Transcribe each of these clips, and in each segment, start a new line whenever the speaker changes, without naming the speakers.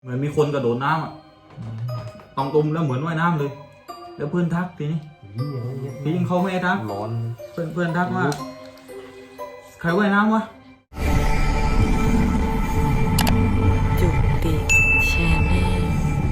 เหมือนมีคนกระโดดน้ำอ่ะตองตุ่มแล้วเหมือนว่ายน้ำเลยแล้วเพื่อนทักทีนี้ทีนี้เขาไม่ทัก
ร้อน
เพื่อนทักว่าใครว่ายน้ำวะ
จุติแชนแนล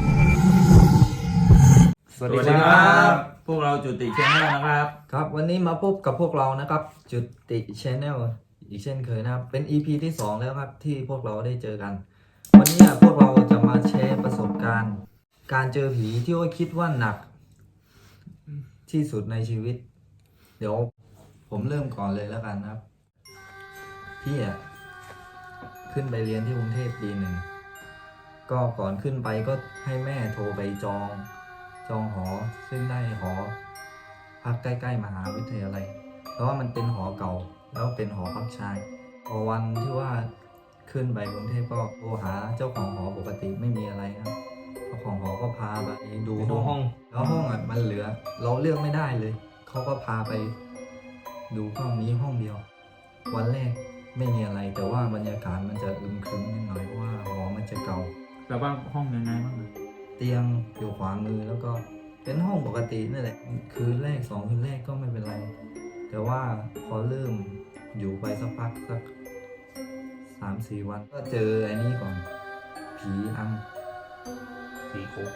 สวัสดีครับ
พวกเราจุติแชนแนลนะครับ
ครับวันนี้มาพบกับพวกเรานะครับจุติชแนลอีกเช่นเคยนะครับเป็น EP ที่ 2 แล้วครับที่พวกเราได้เจอกัน วันนี้พวกเราจะมาแชร์ประสบการณ์ การเจอผีที่ว่าคิดว่าหนักที่สุดในชีวิต เดี๋ยวผมเริ่มก่อนเลยแล้วกันครับพี่ขึ้นไปเรียนที่กรุงเทพปีหนึ่งก็ก่อนขึ้นไปก็ให้แม่โทรไปจองหอซึ่งได้หอพักใกล้ๆมหาวิทยาลัยเพราะว่ามันเป็นหอเก่าแล้วเป็นหอพักชายพอวันที่ว่าขึ้นไปกรุงเทพก็โทรหาเจ้าของหอปกติไม่มีอะไรครับเจ้าของหอก็พาไปดูห้องแล้วห้องมันเหลือเราเลือกไม่ได้เลยเขาก็พาไปดูห้องนี้ห้องเดียววันแรกไม่มีอะไรแต่ว่าบรรยากาศมันจะอึมครึมนิดหน่อยเพราะว่าหอมันจะเก่า
แต่ว่าห้องยังไงบ้าง
เตียงอยู่ขวามือแล้วก็เป็นห้องปกตินั่นแหละคืนแรก2 คืนแรกก็ไม่เป็นไรแต่ว่าพอเริ่มอยู่ไปสักพักสัก3-4 วันก็เจอไอ้นี่ก่อนผีอำ
สีโคก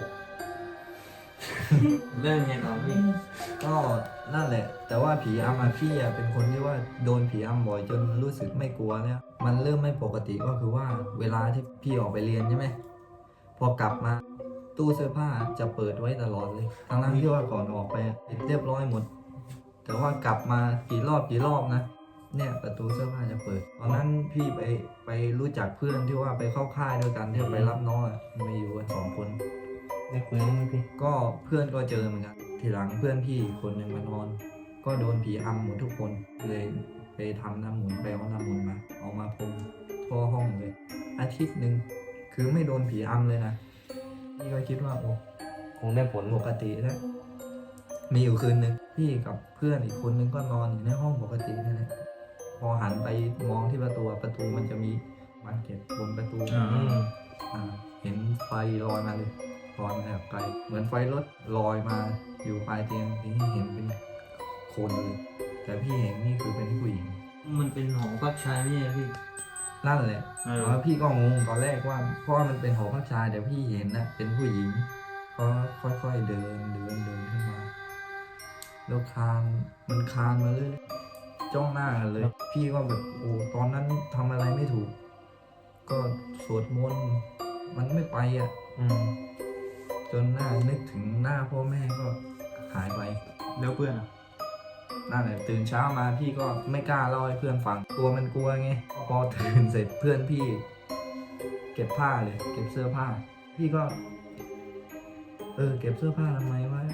เรื่องไงต่อพี่
ก็นั่นแหละแต่ว่าผีอำพี่เป็นคนที่ว่าโดนผีอำบ่อยจนรู้สึกไม่กลัวเนี่ยมันเริ่มไม่ปกติก็คือว่าเวลาที่พี่ออกไปเรียนใช่ไหมพอกลับมาตู้เสื้อผ้าจะเปิดไว้ตลอดเลยทั้งที่ว่าก่อนออกไปปิดเรียบร้อยหมดแต่ว่ากลับมากี่รอบนะเนี่ยประตูเสื้อผ้าจะเปิดตอนนั้นพี่ไปรู้จักเพื่อนที่ว่าไปเข้าค่ายด้วยกันที่ไปรับน้องมาอยู่กัน2 คน
ได้คุยไหมพี่
ก็เพื่อนก็เจอเหมือนกันทีหลังเพื่อนพี่คนหนึ่งมานอน ก็โดนผีอำหมดทุกคนเลยไปทำน้ำหมุนไปเอาน้ำหมุนมาเอามาพรมทั่วห้องเลยอาทิตย์หนึ่งคือไม่โดนผีอำเลยนะพี่ก็คิดว่าโอ้
คงได้ผล
ปกติแล้วมีอยู่คืนหนึ่งพี่กับเพื่อนอีกคนนึงก็นอนอยู่ในห้องปกตินั่นแหละพอหันไปมองที่ประตูมันจะมีมันเก็บบนประตูเห็นไฟลอยมาเลยลอยมาแบบไกลเหมือนไฟรถลอยมาอยู่ปลายเตียงที่เห็นเป็นคนเลยแต่พี่เห็นนี่คือเป็นผู้หญิง
มันเป็นหอพักชายนี่พี่
นั่นแหละแล้วพี่ก็งงตอนแรกว่าเพราะว่ามันเป็นหอพักชายแต่พี่เห็นนะเป็นผู้หญิงก็ค่อยๆเดินขึ้นมาแล้วคานมาเลยจ้องหน้ากันเลย พี่ก็แบบโอ้ตอนนั้นทำอะไรไม่ถูก ก็สวดมนต์มันไม่ไปจนนึกถึงหน้าพ่อแม่ก็หายไป
แล้วเพื่อน
นั่นแหละตื่นเช้ามาพี่ก็ไม่กล้าเล่าให้เพื่อนฟังตัวมันกลัวไงพอตื่นเสร็จเพื่อนพี่เก็บผ้าเลยเก็บเสื้อผ้าพี่ก็เก็บเสื้อผ้าทำไมวะ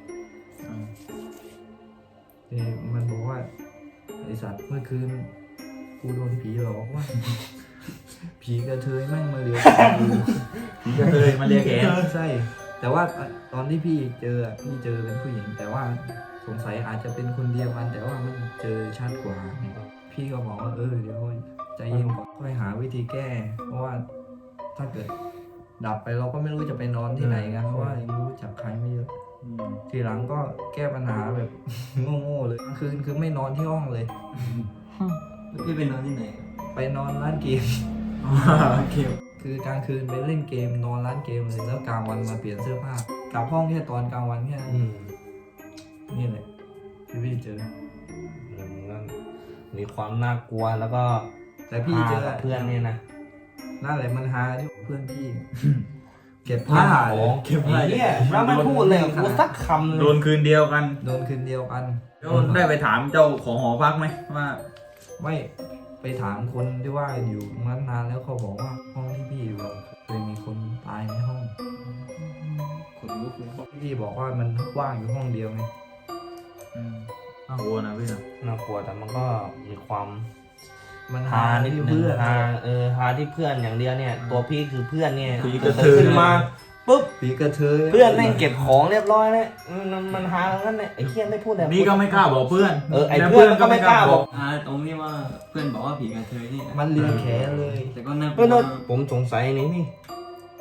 มันบอกว่าไอสัตว์เมื่อคืนกูโดนผีหลอกว่า ผีกระเทยแม่งมาเลียแขนกู
ผีกระเทยมาเลียแขน
ใช่แต่ว่าตอนที่พี่เจอเป็นผู้หญิงแต่ว่าสงสัยอาจจะเป็นคนเดียวกันแต่ว่ามันเจอชัดกว่าพี่ก็บอกว่าเดี๋ยวใจเย็นก่อนค่อยหาวิธีแก้เพราะว่าถ้าเกิดดับไปเราก็ไม่รู้จะไปนอนที่ไหนกันเพราะว่ารู้จักใครไม่เยอะทีหลังก็แก้ปัญหาแบบ โง่ๆเลยกลางคืนคือไม่นอนที่ห้องเลย
พี่ไปนอนที่ไหน
ไปนอนร้านเกม
โอเค
คือกลางคืนไปเล่นเกมนอนร้านเกมเลยแล้วกลางวันมาเปลี่ยนเสื้อผ้ากลับห้องแค่ตอนกลางวันแค่นั้นนี่แหละที่พี่เจอ
นั่นมีความน่ากลัวแล้วก็
แต่พี่เจอ
กับเพื่อนเนี่ยนะ
นั่นแหละมันหาที่เพื่อนพี่ เก็บผ้า
เก็บผ้า
เนี่ยแล้วไม่พูดเลยกูสักคำเลย
โดนคืนเดียวกัน
โดนคืนเดียวกัน
แล้วได้ไปถามเจ้าของหอพักไหมว่า
ไม่ไปถามคนที่ว่าอยู่ตรงนั้นนานแล้วเขาบอกว่าห้องที่พี่อยู่เคยมีคนตายในห้อง
คนลุกเลย
พี่บอกว่ามันว่างอยู่ห้องเดียวไง
น่ากลัวนะพี่นะ
น่ากลัวแต่มันก็มีความ
มัน
ฮานิดนึง
เพื่อน
ฮาที่เพื่อนอย่างเดียวเนี่ย ตัวพี่คือเพื่อนเนี่ย
ผีกระเทย
ขึ้นมาปุ๊บ
ผีกระเทย
เพื่อนแม่งเก็บของเรียบร้อยแล้วมันฮางั้นเนี่ยไอ้เคียไม่พูดเลย
นี่ก็ไม่กล้าบอกเพื่อน
ไอ้เพื่อนก็ไม่กล้าบอก
ตรงนี้ว่าเพื่อนบอกว่าผีกระเทยนี่
มันเลียแขนเลย
แต่ก็น่า
ผมสงสัยนี่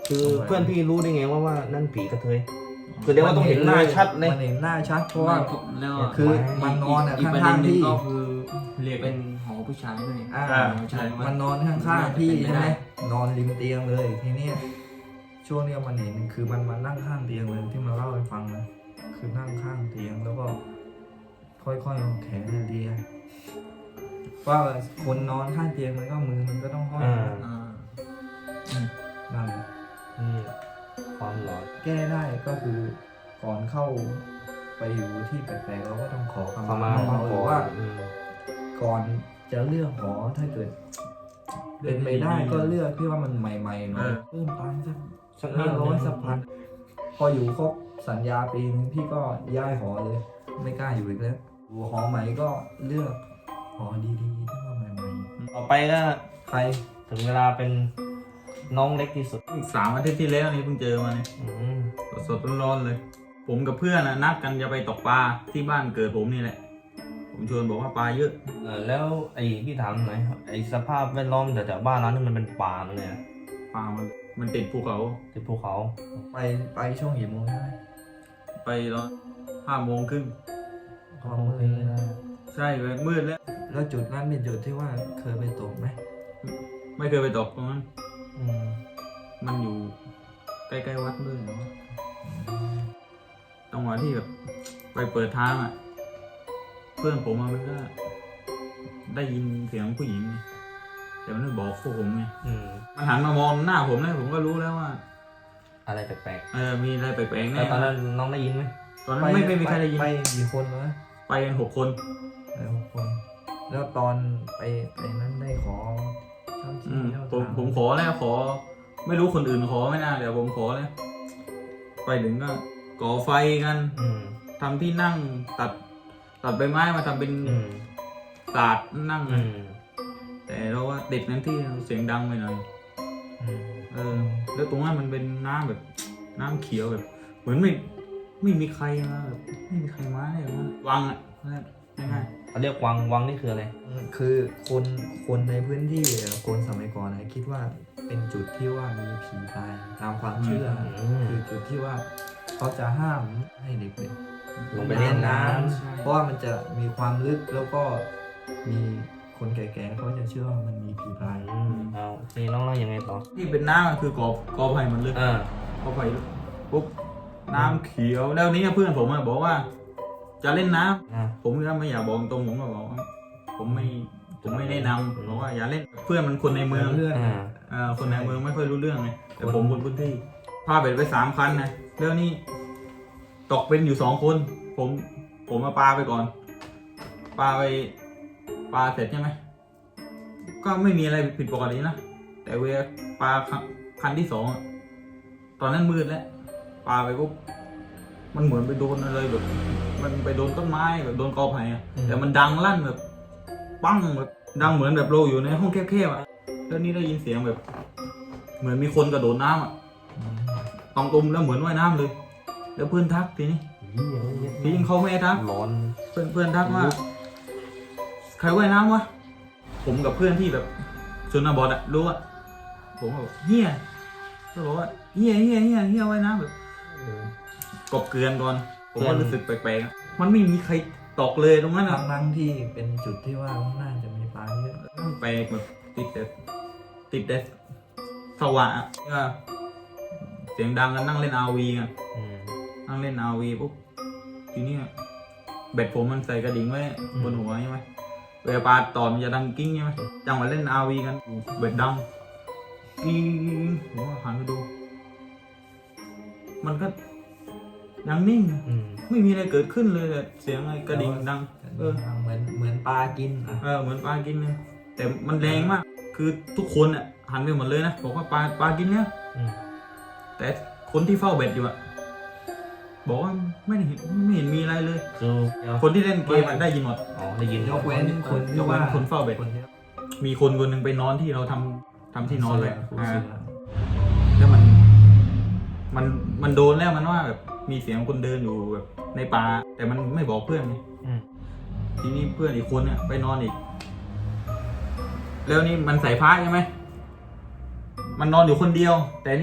คือเพื่อนพี่รู้ได้ไงว่านั่นผีกระเทยคือเดี๋ยวว่าต้องเห็นหน้าชัดเลย
มันเห็นหน้าชัดเพราะว่า
แล้ว
คือมันนอนอ่ะ
อีกประ
ข้า
เด็น
ง
หนึ่ง
ๆพี่
ก็คือเรียกเป็นหอผู้ชายด้วย ใช่
มันนอนข้างๆพี่
เป็นไป
ใช่ไหม
ได้
นอนริมเตียงเลยทีเนี้ยช่วงเนี้ยมันเห็นคือมันมานั่งข้างเตียงเลยที่มาเล่าให้ฟังนะคือนั่งข้างเตียงแล้วก็ ค่อยๆเอาแขนเลียว่าคนนอนข้างเตียงมันก็มือมันก็ต้องห้อย
อ่า
อ่า
นั่นแหละ
นี่ความหลอน
แก้ได้ก็คือก่อนเข้าไปอยู่ที่แปลกๆเราก็ต้องขอ
ประมาณ
เขาหรือว่า
อืม
ก่อนจะเลือกหอถ้าเกิดเป็นไปได้ก็เลือกที่ว่ามันใหม่ๆหน่อยเพิ่มตังค์สัก
สักนิด
500สักพันพออยู่ครบสัญญาปีนึงพี่ก็ย้ายหอเลย ไม่กล้าอยู่อีกแล้วอยู่หอใหม่ก็เลือกหอดีๆที่ว่าใหม่
ต่อไปก็
ๆใคร
ถึงเวลาเป็นน้องเล็กที่สุด
3 อาทิตย์ที่แล้วนี่เพิ่งเจอมาเนี่ย
อืม
สดๆร้อนๆเลย ผมกับเพื่อนนัดกันจะไปตกปลาที่บ้านเกิดผมนี่แหละ ผมชวนบอกว่าปลาเยอะ
แล้วไอ้พี่ถามหน่อยไอ้สภาพแวดล้อมแต่บ้านร้านนี่มันเป็นป่าเลยนะ
ปลามันติดภูเขา
ติดภูเขา
ไปช่วงกี่โมงใช่ไหม
ไปตอน5 โมงครึ่ง
พอมืดเลยนะ
ใช่เลยมืดแล้ว
แล้วจุดนั้นเป็นจุดที่ว่าเคยไปตกไหม
ไม่เคยไปตกตรงนั้น
อืม
มันอยู่ใกล้ๆวัดด้วยเนาะจังหวะที่แบบไปเปิดทางอ่ะ เพื่อนผมมันก็ได้ยินเสียงผู้หญิงไงแต่มันไม่บอกพวกผมไง
อืม
มันหันมามองหน้าผมแล้วผมก็รู้แล้วว่า
อะไรแปลก
มีอะไรแปลกๆ
ๆ
แน่
แล้วตอนนั้นน้องได้ยินไหม
ตอนนั้นไม่มีใครได้ยิน
ไปกี่คนวะ
ไปกัน6 คน
ไป6 คน แล้วตอนไปนั้นได้ขอเจ้าที่เจ้า
ผม
ทาง
ผมขอแล้วขอ ไม่รู้คนอื่นขอไม่น่าเดี๋ยวผมขอแล้วไปถึงก็ก่อไฟกัน
อืม
ทำที่นั่งตัดใบไม้มาทำเป็น
อืม
ศาสตร์นั่ง
อืม
แต่เราว่าติดนั้นที่เสียงดังไปหน่อย
อืม
แล้วตรงนั้นมันเป็นน้ำแบบน้ำเขียวแบบ เหมือนไม่มีใครมาแบบไม่มีใครมาเลยว่าวังอ่ะง่าย
เขาเรียกวังนี่คืออะไร
คือคนในพื้นที่คนสมัยก่อนนะคิดว่าเป็นจุดที่ว่ามีผีตายตามความเชื่ออ
ม
คือจุดที่ว่าเขาจะห้ามให้เด็กๆ
ลงไปเล่นน้ำ
เพราะว่ามันจะมีความลึกแล้วก็มีคนแก่ๆเขาจะเชื่อว่ามันมีผีตาย
อืมเอาทีน้องๆยังไงต่อ
ๆที่เป็นน้ำอะคือกอไผ่มันลึก
อ่าก
อไผ่ลึกปุ๊บน้ำเขียวแล้วนี้เพื่อนผมอะบอกว่า จะเล่นน้ำ
อ่า
ผมก็ไม่อยากบอกตรงผมก็บอกว่าผมไม่แนะนำบอกว่าอย่าเล่นเพื่อนมันคนในเมือง
เพื่อน
อ่า
คนในเมืองไม่ค่อยรู้เรื่องไงแต่ผมคนพื้นที่พาเบ็ดไป3 คันนะแล้วนี่ตกเป็นอยู่2 คน ผมมาปลาไปก่อนปลาเสร็จใช่ไหมก็ไม่มีอะไรผิดปกตินะแต่เวลาปลาคันที่2อะตอนนั้นมืดแล้วปลาไปปุ๊บมันเหมือนไปโดนอะไรแบบ มันไปโดนต้นไม้แบบโดนกอไผ่อะแต่มันดังลั่นแบบปั้งแบบดังเหมือนแบบเราอยู่ในห้องแคบๆอ่ะแล้วนี่ได้ยินเสียงแบบ เหมือนมีคนกระโดดน้ำอ่ะตองตุมแล้วเหมือนว่ายน้ำเลย แล้วเพื่อนทักทีนี้ทีนี้เขาไม่ให้ทัก
ร้อน
เพื่อนทักว่าใครว่ายน้ำวะผมกับเพื่อนที่แบบชนบทอะรู้อะผมก็บอกเฮียก็บอกว่าเฮียว่ายน้ำแบบกบเกลือนก่อนผมก็รู้สึกแปลกๆอะมันไม่มีใครตกเลยตรงนั้นอะ
ทั้งที่เป็นจุดที่ว่าน่าจะมีปลาเยอะ
แปลกแบบติดแต่สว่างอะก็เสียงดังกันนั่งเล่น RV กัน
อืม
นั่งเล่น RV ปุ๊บทีนี้เบ็ดผมมันใส่กระดิ่งไว้บนหัวใช่ไหมเวลาปลาตอดมันจะดังกิ้งใช่ไหมจังหวะเล่น RV กันเบ็ดดังกิ้งผมก็หันไปดู มันก็ยังนิ่งอะ
อืม
ไม่มีอะไรเกิดขึ้นเลยแต่เสียงไอ้กระดิ่งดัง
เหมือนปลากินอ่ะ
เหมือนปลากินเลยแต่มันแรงมาก คือทุกคนอ่ะหันไปหมดเลยนะบอกว่าปลากินแล้ว
อืม
แต่คนที่เฝ้าเบ็ดอยู่อ่ะบอกว่าไม่เห็นมีอะไรเลย
คือเดี๋ยว
คนที่เล่นเกมอะได้ยินหมด
อ๋อได้ยิน
ยกเว้นคน
ย
ที่
กเว้
ว่าน
คนเฝ้าเบ็ด
คนที่
มีคนหนึ่งไปนอนที่เราทำที่นอนเลย
ผู้เสือ
แล้วมันโดนแล้วมันว่าแบบมีเสียงคนเดินอยู่แบบในป่าแต่มันไม่บอกเพื่อนไง
อืม
ทีนี้เพื่อนอีกคนเนี่ยไปนอนอีก แล้วนี่มันใส่ผ้าใช่ไหมมันนอนอยู่คนเดียว แต่นี่พ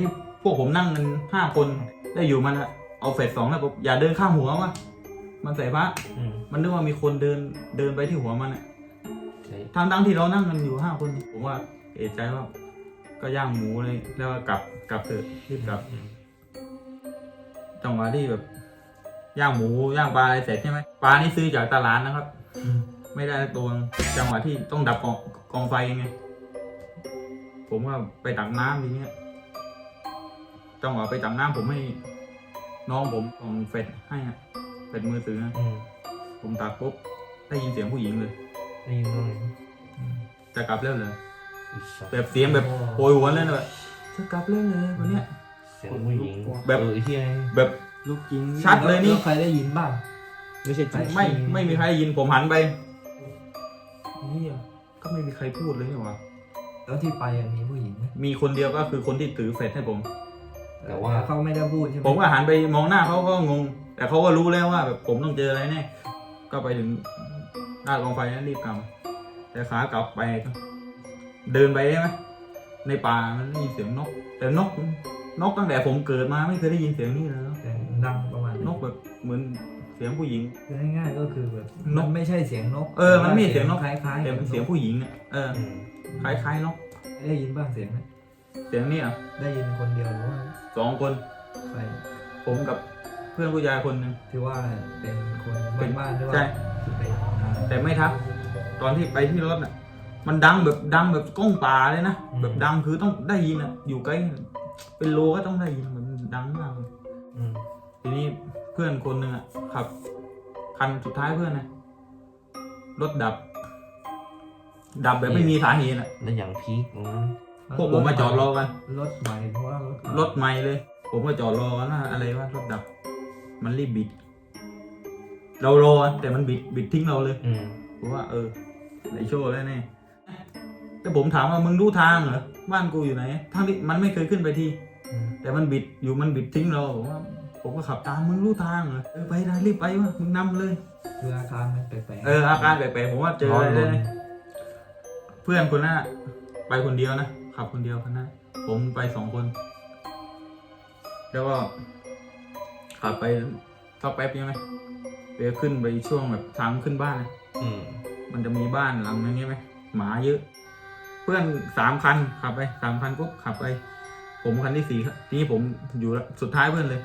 วกผมนั่งกัน5 คนได้อยู่มันอะเอาเฟส2แล้วผมอย่าเดินข้ามหัววะมันใส่พระ มันนึกว่ามีคนเดินไปที่หัวมันอะทั้งที่เรานั่งกันอยู่5 คนผมว่าเอะใจว่าก็ย่างหมูเลยแล้วก็กลับเถอะรีบกลับจังหวะที่แบบย่างหมูย่างปลาอะไรเสร็จใช่ไหมปลานี่ซื้อจากตลาดนะครับ ไม่ได้ตัวจังหวะที่ต้องดับกองไฟไงผมว่าไปตักน้ำทีเนี้ยจังหวะไปตักน้ำผมให้น้องผมของเฟดให้อะเฟดมือถือนะผมตักปุ๊บได้ยินเสียงผู้หญิงเลย
ได้ยินด้วย
จะกลับแล้วเลยแบบเสียงแบบโวยหวนเลยนะแบบจะกลับแล้วเลยวันเนี้ย
เสียงผู้หญิง
แบบ
ที่ไง
แบบ
ลูกจริง
ชัดเลยนี่
แวใครได้ยินบ้าง
ไม่ใช่
ไม่มีใครได้ยินผมหันไปนี่ก็ไม่มีใครพูดเลยนี่หว่า
แล้วที่ไปอะมีผู้หญิงไหม
มีคนเดียวก็คือคนที่ถือเฟดให้ผม
แต่ว่า
เขาไม่ได้พูดใช่ไหม
ผมก็หันไปมองหน้าเขาก็งง แต่เขาก็รู้แล้วว่าแบบผมต้องเจออะไรแน่ก็ไปถึงหน้ากองไฟนั้นรีบกลับแต่ขากลับไปก็เดินไปได้ไหมในป่ามันได้ยินเสียงนก แต่นกตั้งแต่ผมเกิดมาไม่เคยได้ยินเสียงนี้เลย
แต่ดังประมาณ
นกแบบเหมือนเสียงผู้หญิง
คือง่ายๆก็คือแบบ
นก
มันไม่ใช่เสียงนก
มันไม่ใช่เสียงนก
คล้ายๆ
แต่เป็นเสียงผู้หญิงเนี่ยคล้ายๆนก
ได้ยินบ้างเสียงไหม
เสียงนี่อ่ะ
ได้ยินคนเดียวหรือว่า
2 คน
ใคร
ผมกับเพื่อนผู้ชายคนหนึ่ง
ที่ว่าเป็นคนบ้านๆด้วย
ใช่
ที่ไปหา
แต่ไม่ทักตอนที่ไปที่รถน่ะ มันดังแบบก้องป่าเลยนะแบบดังคือต้องได้ยินอ่ะอยู่ใกล้เป็นโลก็ต้องได้ยินมันดังมากเลยทีนี้เพื่อนคนหนึ่งอ่ะขับคันสุดท้ายเพื่อนนะรถดับแบบไม่มีสาเหตุอ่ะ
แล้วอย่างพีคตรงนั้น
พวกผมมาจอดรอกัน
รถใหม่เพราะว่ารถ
รถใหม่เลย ผมก็จอดรอกันว่าอะไรว่ารถดับ มันรีบบิด เรารอแต่มันบิดทิ้งเราเลยผมว่าไหนโชว์แล้วแน่แต่ผมถามว่ามึงรู้ทางเหรอบ้านกูอยู่ไหนทั้งที่มันไม่เคยขึ้นไปทีแต่มันบิดทิ้งเราผมก็ขับตามมึงรู้ทางเหรอไปนะรีบไปวะมึงนำเลย
คืออาการมันแปลก
อาการแปลกๆผมว่าเจออะไรเลยนะเพื่อนคนนั้นไปคนเดียวนะขับคนเดียวคนนั้นผมไป2 คน แล้วก็ขับไปสักแป๊บยังไงไปขึ้นไปช่วงแบบทางขึ้นบ้านเลยมันจะมีบ้านหลังนึงใช่ไหมหมาเยอะ เพื่อน3 คันขับไป3 คันปุ๊บขับไป ผมคันที่4ครับทีนี้ผมอยู่สุดท้ายเพื่อนเลย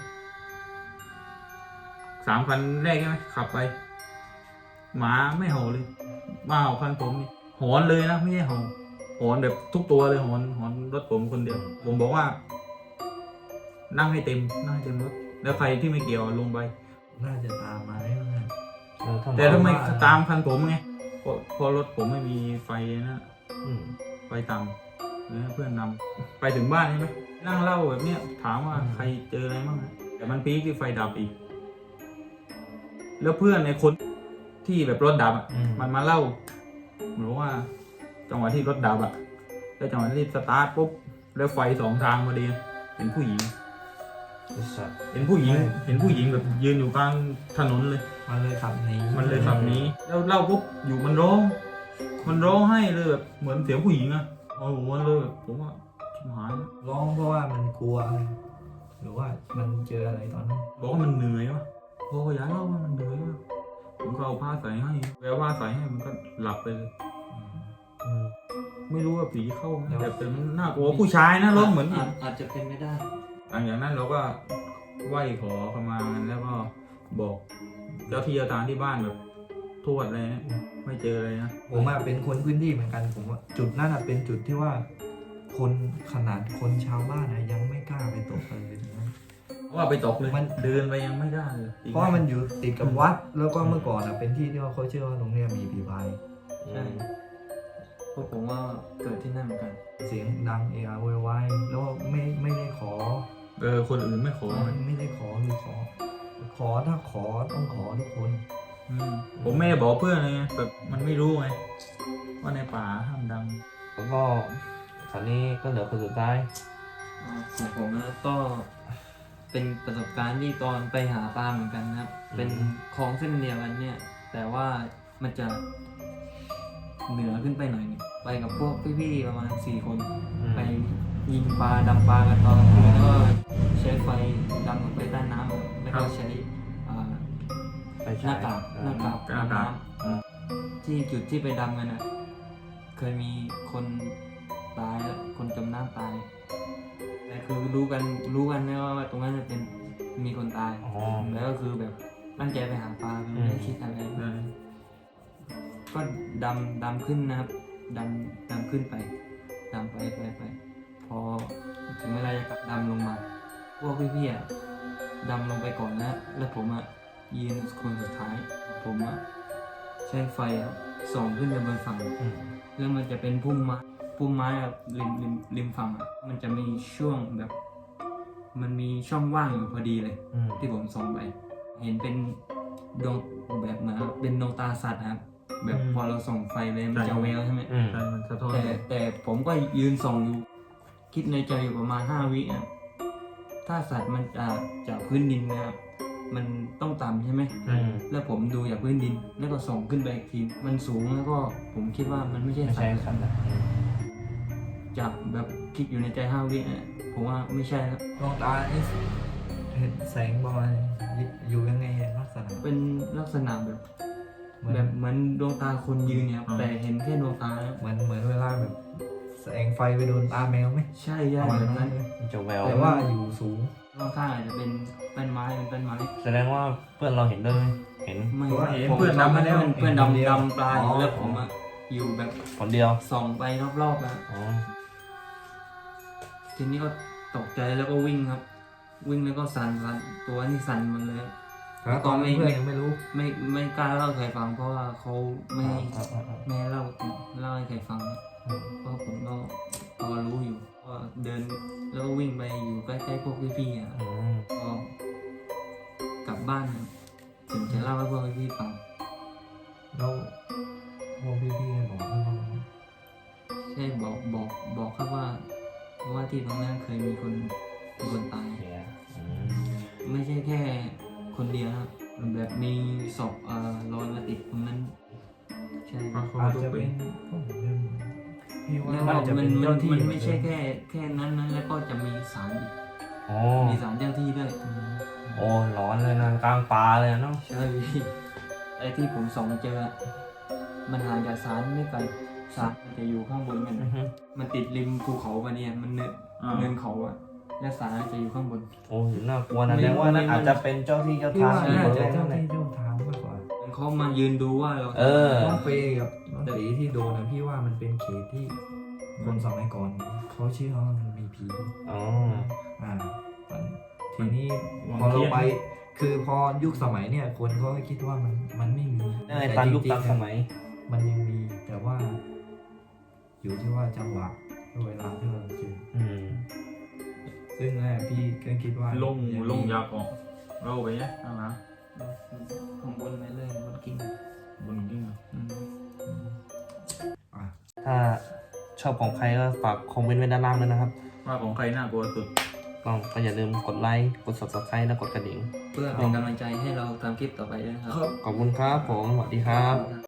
3 คันแรกใช่ไหมขับไป หมาไม่เห่าเลยมาเห่าคันผมนี่หอนเลยนะไม่ใช่เห่าหอนแบบทุกตัวเลยหอนรถผมคนเดียว ผมบอกว่า นั่งให้เต็มรถแล้วใครที่ไม่เกี่ยวลงไป
ๆน่าจะตามมาได้ไหม
แต่ทำไมตามคันผมไงพอรถผมไม่มีไฟนะไฟต่ำแล้วเพื่อนนำไปถึงบ้านใช่ไหมนั่งเล่าแบบเนี้ยถามว่าใครเจออะไรบ้างแต่มันพีคที่ไฟดับอีก แล้วเพื่อนในคนที่แบบรถดับมันมาเล่าเหมือนว่าจังหวะที่รถดับแล้วจังหวะที่สตาร์ทปุ๊บแล้วไฟ2 ทางพอดีเป็นผู้หญิง เห็นผู้หญิงแบบยืนอยู่กลางถนนเลย
มันเลยขับหนี
แล้วเล่าปุ๊บอยู่มันร้องให้เลยแบบเหมือนเสียงผู้หญิงอะโอ้โหมันเลยแบบผมว่าชิบหายแล้ว
ร้องเพราะว่ามันกลัวหรือว่ามันเจออะไรตอนนั้น
บอกว่ามันเหนื่อยวะพออยากเล่าว่ามันเหนื่อยวะผมก็เอาผ้าใส่ให้แววผ้าใส่ให้มันก็หลับไปเลยไม่รู้ว่าผีเข้าไหมแต่มันน่ากลัวผู้ชายนะร้องเหมือน
อาจจะเป็นไม่ได้
หลังจากนั้นเราก็ไหว้ขอเข้ามากันแล้วก็บอกเจ้าที่เจ้าทางที่บ้านแบบทวดอะไรเนี่ยไม่เจอเลยนะ
ผมเป็นคนพื้นที่เหมือนกันผมว่าจุดนั้นเป็นจุดที่ว่า คนขนาดคนชาวบ้านยังไม่กล้าไปตกเลยถึงนั้น
เพราะว่าไปตกเลยมันเดินไปยังไม่ได้เลย
เพราะว่ามันอยู่ติดกับวัดแล้วก็เมื่อก่อนเป็นที่ที่ว่าเขาเชื่อว่าตรงเนี้ยมีผีพาย
ใช่พวกผมว่าเกิดที่นั่นเหมือนกัน
เสียงดังเอะอะโวยวายแล้วไม่ได้ขอ
คนอื่นไม่ขอ
ไม่ได้ขอคือขอถ้าขอต้องขอทุกคน
ผมไม่ได้บอกเพื่อนเลยไงแบบมันไม่รู้ไงว่าในป่าห้ามดัง
แล้วก็คราวนี้ก็เหลือคนสุดท้าย
ของผมนะก็เป็นประสบการณ์ที่ตอนไปหาปลาเหมือนกันนะครับ เป็นคลองเส้นเดียวกันเนี่ย แต่ว่ามันจะเหนือขึ้นไปหน่อยนึงไปกับพวกพี่ๆประมาณ4 คนไปยิงปลาดำปลากันตอนกลางคืนแล้วก็ใช้ไฟดำลงไปใต้น้ำแล้วก็ใช้
ไป
หน้ากากดำน้ำที่จุดที่ไปดำกันอ่ะเคยมีคนตายแล้วคนจมน้ำตายแต่คือรู้กันนะว่าตรงนั้นจะเป็นมีคนตาย
อ๋อ
แล้วก็คือแบบตั้งใจไปหาปลาไม่ได้คิดอะไรก็ดำขึ้นนะครับดำขึ้นไปดำไปพอถึงเวลาจะกลับดำลงมาพวกพี่ๆอ่ะดำลงไปก่อนนะแล้วผมอ่ะยืนคนสุดท้ายผมอ่ะใช้ไฟอ่ะส่องขึ้นไปบนฝั่งแล้วมันจะเป็นพุ่มไม้อ่ะริมฝั่งอ่ะมันจะมีช่วงแบบมันมีช่องว่างอยู่พอดีเลยที่ผมส่องไปเห็นเป็นดวงแบบเหมือนเป็นดวงตาสัตว์นะครับแบบพอเราส่องไฟไปมันจะแววใช่ไหม
ใช่มันสะท้อน
แต่ผมก็ยืนส่องอยู่คิดในใจอยู่ประมาณ5 วิอ่ะถ้าสัตว์มันจากพื้นดินนะครับมันต้องต่ำใช่ไหมแล้วผมดูจากพื้นดินแล้วก็ส่องขึ้นไปอีกทีมันสูงแล้วก็ผมคิดว่ามันไม่ใช่
ไม่
สั
ใช่
ตว์
สัตว์นะ
จากแบบคิดอยู่ในใจ5 วิอ่ะผมว่าไม่ใช่ครับ
ดวงตานี่เห็นแสงประมาณอยู่ยังไงลักษณะ
เป็นลักษณะแบบ
เหมือน
แบบเหมือนดวงตาคนยืนเนี่ยครับแต่เห็นแค่ดวงตานะ
เหมือนเวลาแบบแสงไฟไปโดนตาแมวไหม
ใช่
ประมาณ
แบบ
นั้
นั้น น
มันจะแวว
แต่ว่าอยู่สูง
ข้างๆอาจจะเป็นต้นไม้
แสดงว่าเพื่อนเราเห็นด้วยไหมเห็น
ไม่
เพราะว่าเห็น
ผม
เพื่อนดำมาแล้ว
เพื่อนดำปลาอยู่แล้วผมอะอยู่แบบ
คนเดียว
ส่องไปรอบๆอะ
อ๋อ
ทีนี้ก็ตกใจแล้วก็วิ่งครับ วิ่งแล้วก็สั่นตัวนี่สั่นหมันเลยครับ
แล้วตอนนั้นเพื่อนยังไม่รู้
ไม่กล้าเล่าให้ใครฟังเพราะว่าเขาไม่ให้
อ๋อ
ไม่ให้เล่าให้ใครฟังเพราะผมก็พอรู้อยู่ว่าเดินแล้วก็วิ่งไปอยู่ใกล้ๆพวกพี่ๆอะ
อืม
ก็กลับบ้านครับถึงจะเล่าให้พวกพี่ๆฟัง
แล้วพวกพี่ๆบอกว่า
ใช่บอกครับว่าที่ตรงนั้นเคยมีคนตาย
เสียอืม
ไม่ใช่แค่คนเดียวนะครับแบบมีศพลอยมาติดตรงนั้นใช่
เพราะเขา
อาจ
ต้อง
จะ
เป็
เป็น นพี่ว่า
แล้ว
น่าจะ
มั
เป็น น
มั
เจ้าน ที่
มันไม่ใช่แค่นั้นนะแล้วก็จะมีศาลอีก
อ๋อ
มีศาลเจ้าที่ด้วย
โอ้ร้อนเลยนะกลางป่าเลยเนาะ
ใช่พี่ไอ้ที่ผมส่องเจอมันห่างจากศาลไม่ไกลศาลมันจะอยู่ข้างบนกัน
อือฮึ
มันติดริมภูเขามาเนี่ยมันเนินเขาอะและศาลจะอยู่ข้างบน
โอ้น่ากลัวนะแสดงว่านั่นอาจจะเป็นเจ้าที่เจ้า
พี่
ทาง
ว่า
อยู่
น่า
บริ
จะ
เวณ
เจ้า
นั้นแหละ
ที่เจ้าทางมากกว่า
เขามายืนดูว่าเรา
เออ
น้องเฟย์กับน้องตีที่โดนนะพี่ว่ามันเป็นเขตที่คนสมัยก่อนเขาเชื่อว่ามันมีผี
อ๋อ
ทีนี้พอเราไปคือพอยุคสมัยเนี่ยคนเขาก็คิดว่ามันไม่มี
ในตามยุค
จริงๆ
ตามสมัย
มันยังมีแต่ว่า อยู่ที่ว่าจังหวะเวลาที่เราเจอ
อืม
ซึ่งพี่ก็คิดว่า
ลงยาก่อนเราไปเนี่ยนะ
ข้างบนไปเลยบนกิ่ง
บนกิ้ง
ถ้าชอบของใครก็ฝากคอมเมนต์ไว้ด้านล่างด้วยนะครับ
ว่าของใครน่ากลัวสุด
ก็อย่าลืมกดไลค์กด subscribe และกดกระดิ่ง
เพื่อเป็นกำลังใจให้เราทำคลิปต่อไปด้วยนะครับ
ขอบคุณครับผมสวัสดีครับ